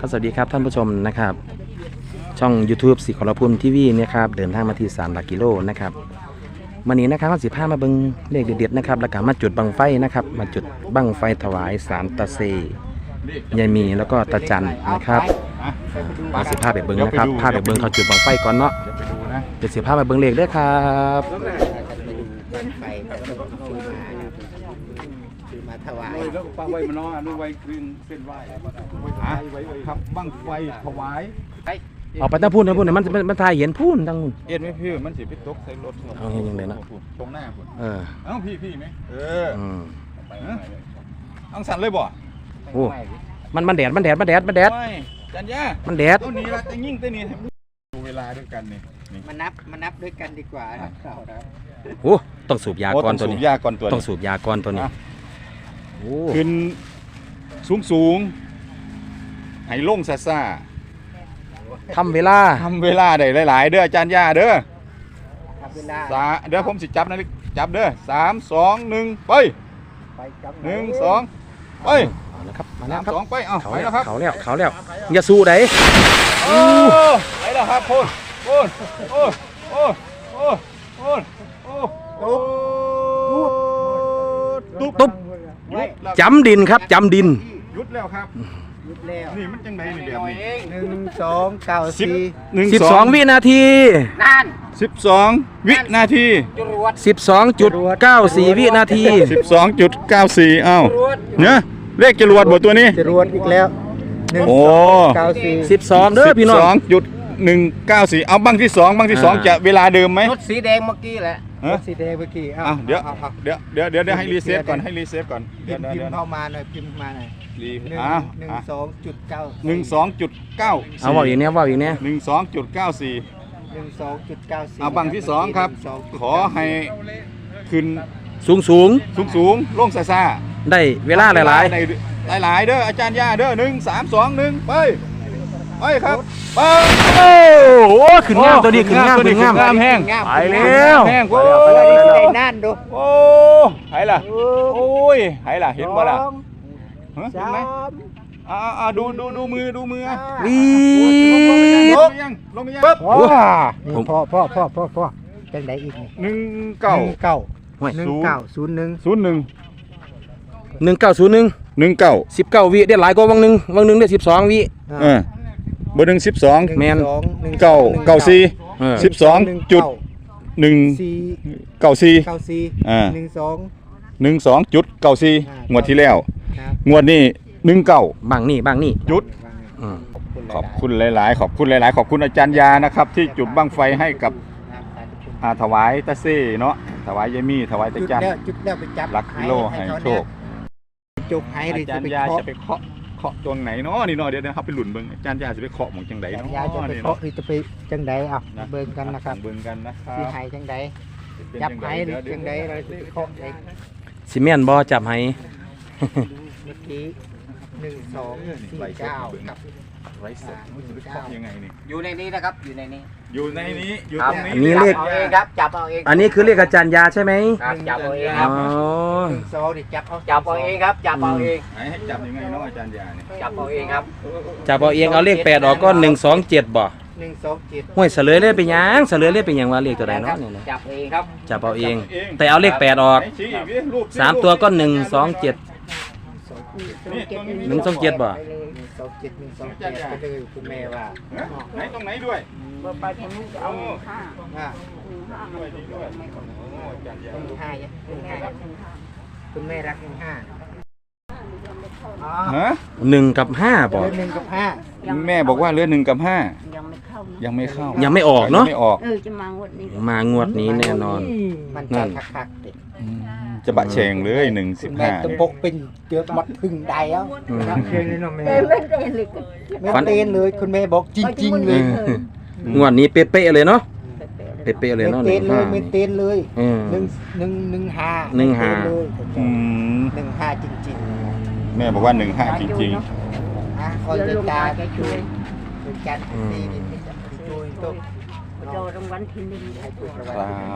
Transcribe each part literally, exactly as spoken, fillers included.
ก็สวัสดีครับท่านผู้ชมนะครับช่อง YouTube สิขอรพุมทีวีเนี่ยครับเดินทางมาที่สามหลักกิโลนะครับวันนี้นะครับสิบห้ามาเบิ้งเลขเด็ดๆนะครับแล้วก็มาจุดบังไฟนะครับมาจุดบังไฟถวายสารตาเซยายมีแล้วก็ตาจันนะครับมาสิบห้าไปเบิ้งนะครับภาพไปเบิ้งเขาจุดบังไฟก่อนเนาะเดี๋ยวสิบห้ามาเบิ้งเลขด้วยครับมาถวายแล้วก็ฟังไว้มาเนาะดูไว้ครึ่งเส้นไหว้ไว้ครับบังไฟถวายออกไปตั้งพูดนะพูดเนี่ยมันมันทายเห็นพูดตั้งนู่นเอ็ดไหมพี่มันสิไปตกใส่รถเอาเห็นยังไงนะตรงหน้าคุณเออเอ้าพี่พี่ไหมเอออังสันเลยบ่โอ้มันมันแดดมันแดดมันแดดมันแดดจันยามันแดดตัวนี้ละจะยิ่งตัวนี้ดูเวลาด้วยกันนี่มานับมานับด้วยกันดีกว่าครับโอ้ต้องสูบยาก่อนตัวนี้สูบยาก่อนตัวต้องสูบยาก่อนตัวนี้ขึ้นสูงสูงให้ลงซาซาทำเวลาทำเวลาได้หลายๆเด้ออาจารย์ยาเด้อทำเวลาสาเดี๋ยวผมสิจับนะจับเด้อสามสองหนึ่งไปหนึ่งสองไปนะครับมาแล้วครับสองไปเอาไปแล้วครับเขาแล้วเขาแล้วอย่าสู้ไหนโอ้ไปแล้วครับพูนพูนโอ้โอ้โอ้โอ้โอ้โอ้ตุ๊บตุ๊บจำดินครับจำดินหยุดแล้วครับหยุดแล้วนี่มันจังไงนี่แบบนี้หนึ่งสองเก้าสี่สิบสองวินาทีนั่นสิบสองวินาทีสิบสองจุดเก้าสี่วินาทีสิบสองจุดเก้าสี่เอ้าเนี่ยเลขจรวดบทตัวนี้จรวดอีกแล้วโอ้เก้าสี่สิบสองเด้อพี่น้องสองจุดหนึ่งเก้าสี่เอาบังที่สองบังที่สองจะเวลาเดิมไหมรถสีแดงเมื่อกี้แหละรถสีแดงเมื่อกี้อ้าวเดี๋ยวเดี๋ยวเดี๋ยวเดี๋ยวเดี๋ยวให้รีเซ็ตก่อนให้รีเซ็ตก่อนเดี๋ยวพิมพ์เข้ามาหน่อยพิมพ์มาหน่อยรีหนึ่งหนึ่งสองจุดเก้าหนึ่งสองจุดเก้าเอาบอกอีกเนี้ยบอกอีกเนี้ยหนึ่งสองจุดเก้าสี่หนึ่งสองจุดเก้าสี่เอาบังที่สองครับขอให้ขึ้นสูงสูงสูงสูงลงซาซาได้เวลาหลายหลายหลายหลายเด้ออาจารย์ย่าเด้อหนึ่งสามสองหนึ่งไปไปครับไปโอ้โหขึ้นงามตัวนี้ขึ้นงามขึ้นงามงามแห้งไปแล้วแห้งโอ้ยนั่นดูโอ้ไหล่ะโอ้ยไหล่ะเห็นบ่ล่ะเห็นไหมอ่าอ่าดูดูดูมือดูมือวีลงยังลงยังปุ๊บพ่อพ่อพ่อพ่อพ่อจังไดอีกหนึ่งเก้าเก้าหนึ่งเก้าศูนย์หนึ่งศูนย์หนึ่งหนึ่งเก้าศูนย์หนึ่งหนึ่งเก้าสิบเก้าวิได้หลายกว่าวังหนึ่งวังหนึ่งได้สิบสองวิเออเบอร์หนึ่งสิบสองแมนเก้าเก้าสี่สิบสองจุดหนึ่งเก้าสี่เก้าสี่อ่าหนึ่งสองหนึ่งสองจุดเก้าสี่งวดที่แล้วงวดนี้หนึ่งเก้าบางนี่บางนี่จุดขอบคุณหลายๆขอบคุณหลายๆขอบคุณอาจารย์ยานะครับที่จุดบั้งไฟให้กับถวายตาเซ่เนาะถวายยายมี่ถวายตาจันจุดแล้วไปจับหลักกิโลให้โชคจุกให้อาจารย์ยาจะไปเคาะเคาะตรงไหนเนาะนี่เนาะเดี๋ยวนะครับไปหลุนเบิ้งอาจารย์ยาจะไปเคาะหมองจังไดเนาะยาจะไปเคาะหรือจะไปจังไดอ่ะเบิ้งกันนะครับเบิ้งกันนะครับสิให้จังไดจับให้หรือจังไดเราจะไปเคาะเองซีเมนต์บ่จับให้เมื่อกี้หนึ่งสองสี่เก้ากับไรสดยังไงนี่อยู่ในนี้นะครับอยู่ในนี้อยู่ในนี้อยู่ตรงนี้นี่เลขเอาเองครับจับเอาเองอันนี้คือเลขอาจารย์ยาใช่ไหมจับเอาเองครับหนึ่งสองดิจับเอาจับเอาเองครับจับเอาเองให้จับยังไงเนาะอาจารย์ยาเนี่ยจับเอาเองครับจับเอาเองเอาเลขแปดออกก็หนึ่งสองเจ็ดบ่หนึ่งสองเจ็ดห้วยเสลยเลยเป็นยังเสลยเลยเป็นยังว่าเลขตัวใดเนาะเนี่ยจับเองครับจับเอาเองแต่เอาเลขแปดออกสามตัวก็หนึ่งสองเจ็ดหนึ่งสองเจ็ดบ่สองเจ็ดหนึ่งสองเจ็ดไปเลยคุณแม่ว่าไหนตรงไหนด้วยไปทางนู้นจะเอาห้าห้าด้วยด้วยหนึ่งห้าหนึ่งห้าคุณแม่รักหนึ่งห้าฮะหนึ่งกับห้าบอกหนึ่งกับห้าแม่บอกว่าเลือหนึ่งกับห้ายังไม่เข้ายังไม่เข้ายังไม่ออกเนาะไม่ออกเออจะมางวดนี้มางวดนี้แน่นอนมันจะคักๆเด็ดจะบะเชงเลยหนึ่งสิบห้าตะปกเป็นเกือบมัดพึ่งใดแล้วเชงเลยเนาะแม่ไม่เต้นเลยไม่เต้นเลยคุณแม่บอกจริงๆเลยงวดนี้เป๊ะๆเลยเนาะเป๊ะๆเลยเนาะไม่เต้นเลยไม่เต้นเลยหนึ่งหนึ่งหนึ่งห้าหนึ่งห้าหนึ่งห้าจริงๆแม่บอกว่าหนึ่งห้าจริงๆอ่ะคอยจะตาช่วยช่วยกันนี่นี่ช่วยตุ๊กโดนรางวัลที่หนึ่งครับ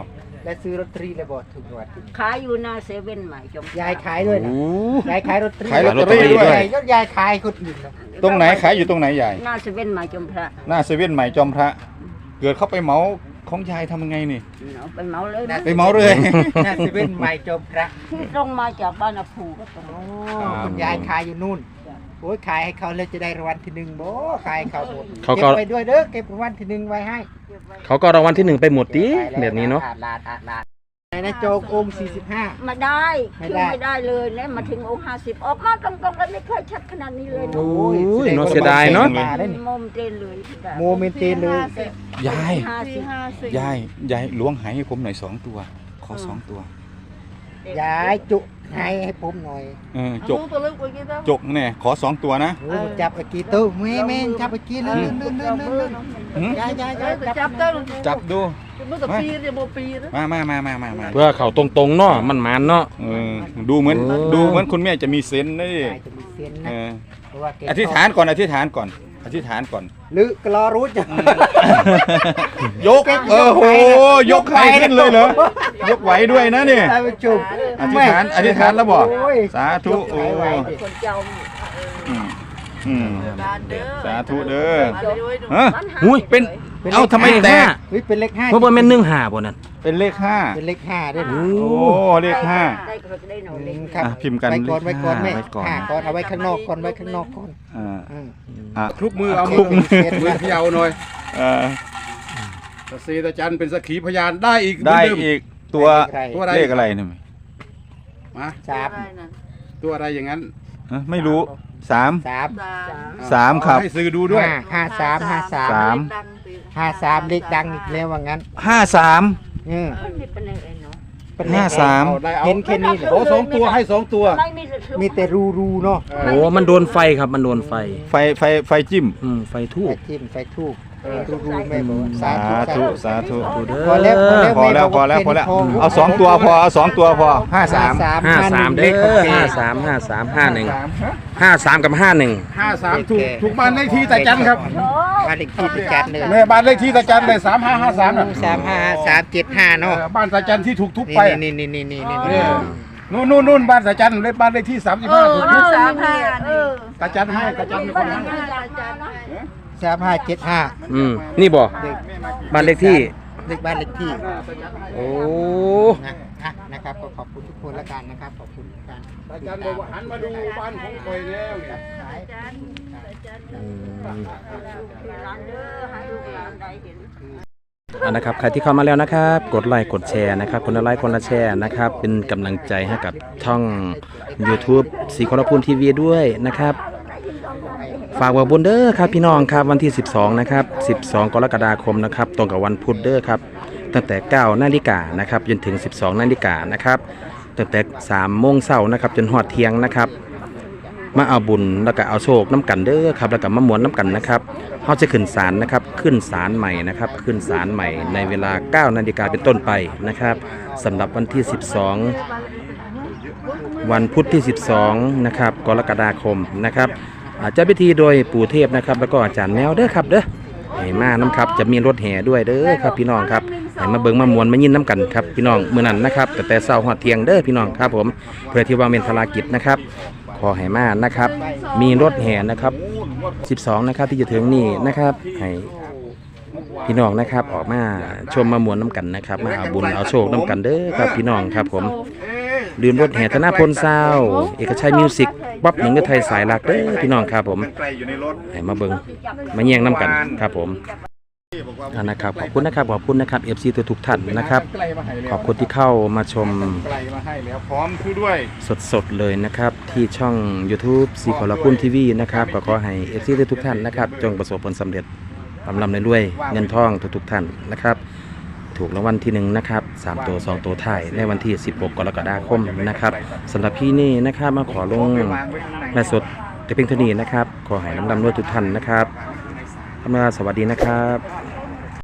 และซื้อลอตเตอรี่เลยบอกถูกรางวัลที่หนึ่งขายอยู่หน้าเซเว่นใหม่จมยายขายด้วยนะโอ้ยายขายลอตเตอรี่ขายลอตเตอรี่ด้วยยายยยายขายคนอื่นนะตรงไหนขายอยู่ตรงไหนยายหน้าเซเว่นใหม่จมพระหน้าเซเว่นใหม่จอมพระ เกิดเข้าไปเหมาของยายทำยังไงนี่เอาไปเหมาเลยนะไปเหมาเลยหน้าเซเว่นใหม่จอมพระที่ตรงมาจากบ้านอาภูก็ตรงโอ้คุณยายขายอยู่นู่นโอ้ยขายให้เขาเลยจะได้รางวัลที่หนึ่งโบ้ขายให้เขาหมดเขาก็เก็บไปด้วยเด้อเก็บรางวัลที่หนึ่งไว้ให้เขาก็รางวัลที่หนึ่งไปหมดดิแบบนี้เนาะอาดลาดอาดลาดไหนนะโจกองค์สี่สิบห้ามาได้ไม่คือได้ไม่ได้เลยเนี่ยมาถึงองค์ห้าสิบออกมาตรงๆแล้วไม่เคยชัดขนาดนี้เลยนะโอ้ยเนาะเสียดายเนาะมาได้นี่โมเมเตนเลยโมเมนเตนเลยยายห้าสิบห้าสิบยายยายล้วงหายให้ผมหน่อยสองตัว ขอสองตัวยายจุให้ให้ผมหน่อยเออจกจกเนี่ยขอสองตัวนะโอ้ยจับไอ้กีตู้แม่แม่จับไอ้กีเลื่อนเลื่อนเลื่อนเลื่อนเลื่อนหืมยายยายยายจับจับดูมามามามามามาเพื่อเขาตรงๆเนาะมันมันๆเนาะเออดูเหมือนโอ้ดูเหมือนคุณแม่จะมีเซนส์นะดิยายจะมีเส้นเอนะอเพราะว่าแกอธิษฐานก่อนอธิษฐานก่อนอธิษฐานก่อนหรือกลอรู้จักยกเออโหยกใครขึ้นเลยเหรอยกไหวด้วยนะเนี่ยท่านผู้ชมอธิษฐานอธิษฐานแล้วบอกโอ้ยสาธุยกโอ้ไหวดิคนเจ้าอืมอืมสาธุเด้อบ้านฮะหาอุ้ยเป็นเป็นเอ้าทำไมแตกเฮ้ยเป็นเลขห้าเพราะว่าแม่นหนึ่งหาบ่นั่นเป็นเลขห้าเป็นเลขห้าด้วยโอ้โอ้เลขห้าได้ก็ได้หน่อยอืเล็กมครับอ่ะพิมพ์กันไว้ก่อนเลไว้ขก่อนห้าแม่ไว้ก่อนห้าก่อนเอาไว้ข้างนอกก่อนไว้ข้างนอกก่อนอ่าอืมอ่ะคลุกมือเอาคมืลุอกมือมือเขยาวหน่อยเออตะซีตะจันเป็นสักขีพยานได้อีกได้เหมืนเมอีกตัวตัวอะไรเลขอะไรเนี่ยมาสามตัวอะไรอย่างนั้นฮะไม่รู้สามสามสามครับให้สื่อดูด้วยห้าห้าสามห้าสามสามห้าสามเลขดังอีกแล้วว่างั้นห้าสามอืมนี่เป็นยังไงเนาะเป็นเลขห้าสามเอาได้เอาเห็นแค่นี้เหรอโอ้สองตัวให้สองตัวไม่มีแต่มีแต่รูรูเนาะโอ้มันโดนไฟครับมันโดนไฟไฟไฟไฟจิ้มอืมไฟทูไฟบจิ้มไฟทูบรูรูแม่บอกว่าสาสาธุธุสาธุดูเด้พอแล้วอพอแล้วพอแล้วพอแล้วเอาสองตัวพอเอาสองตัวพอห้าสามห้าสามเลเด้ขของอแกห้าสามห้าสามห้าหนึ่งห้าสามกับห้าหนึ่งห้าสามถูกถูกบ้านเลขที่ตาจันครับบ้านเลขที่ตะจันเลยแม่บ้านเลขที่ตาจันเลยสามห้าห้าสามน่ะสามห้าสามเจ็ดห้าเนาะเออบ้านตาจันที่ถูกทุบไปนี่นี่นี่นี่นี่เอนี่อนู่นนู่นนู่นบ้านตาจันเลขบ้านเลขที่สามสิบห้าถูกทุบสามห้าเออตาจันให้ตาจันเป็นคนให้สามห้าเจ็ดห้าอืมนี่บ่เด็กบ้านเลขที่เด็กบ้านเลขที่โอ้นะอ่ะนะครับก็ขอบคุณทุกคนแล้วกันนะครับขอบคุณการตาจันบอกว่าหันมาดูบ้านของคอยแล้วเนี่ยอืมร้านเด้อให้ลูกหลานได้เห็นอ่ะนะครับใครที่เข้ามาแล้วนะครับ กดไลค์กดแชร์นะครับคนละไลค์คนละแชร์นะครับ เป็นกำลังใจให้กับช่อง YouTube สีคอรพูนทีวีด้วยนะครับ ฝากว่าบุญเด้อครับพี่น้องครับวันที่สิบสองนะครับสิบสองกรกฎาคมนะครับตรงกับวันพุธเด้อครับตั้งแต่เก้านาฬิกานะครับจนถึงสิบสองนาฬิกานะครับตั้งแต่สามโมงเช้านะครับจนหอดเที่ยงนะครับมาเอาบุญแล้วก็เอาโชคน้ำกันเด้อครับแล้วก็มามวนน้ำกันนะครับเขาจะขึ้นศาลนะครับขึ้นศาลใหม่นะครับขึ้นศาลใหม่ในเวลาเก้านาฬิกาเป็นต้นไปนะครับสำหรับวันที่สิบสองวันพุธที่สิบสองนะครับกรกฎาคมนะครับอาจจะพิธีโดยปู่เทพนะครับแล้วก็อาจารย์แมวเด้อครับเด้อให้มาน้ำครับจะมีรถแห่ด้วยเด้อครับพี่น้องครับให้มาเบิ่งมามวนมายินน้ำกันครับพี่น้องมื้อนั้นนะครับแต่แต่เช้าหอดเที่ยงเด้อพี่น้องครับผมเพื่อที่ว่าเป็นภารกิจนะครับขอให้มานะครับมีรถแห่นะครับสิบสองนะครับที่จะถึงนี่นะครับให้พี่น้องนะครับออกมาชมมามวนน้ำกันนะครับมาเอาบุญเอาโชคน้ำกันเด้อครับพี่น้องครับผมลืมรถแห่ธนาพลซาวด์เอกชัยมิวสิกป๊อปหนึ่งเดือไทยสายหลักเด้อพี่น้องครับผมไกลอยู่ในรถให้มาเบิงมาแย่งน้ำกันครับผมอ่านะครับขอบคุณนะครับขอบคุณนะครับ เอฟ ซี ตัวทุกท่านนะครับไกลมาให้แล้วขอบคุณที่เข้ามาชมไกลมาให้แล้วพร้อมคือด้วยสดๆเลยนะครับที่ช่อง YouTube สีขอละคุณทีวีนะครับก็ขอให้ เอฟ ซี ตัวทุกท่านนะครับจงประสบผลสำเร็จลำลำรวยๆเงินทองทุกๆท่านนะครับถูกรางวัลที่หนึ่งนะครับสามตัวสองตัวท้ายในวันที่สิบหกกรกฎาคมนะครับสำหรับพี่นี่นะครับมาขอลงแม่สดแต่เพียงเท่านี้นะครับขอให้ลำลำรวยทุกท่านนะครับทำงานสวัสดีนะครับ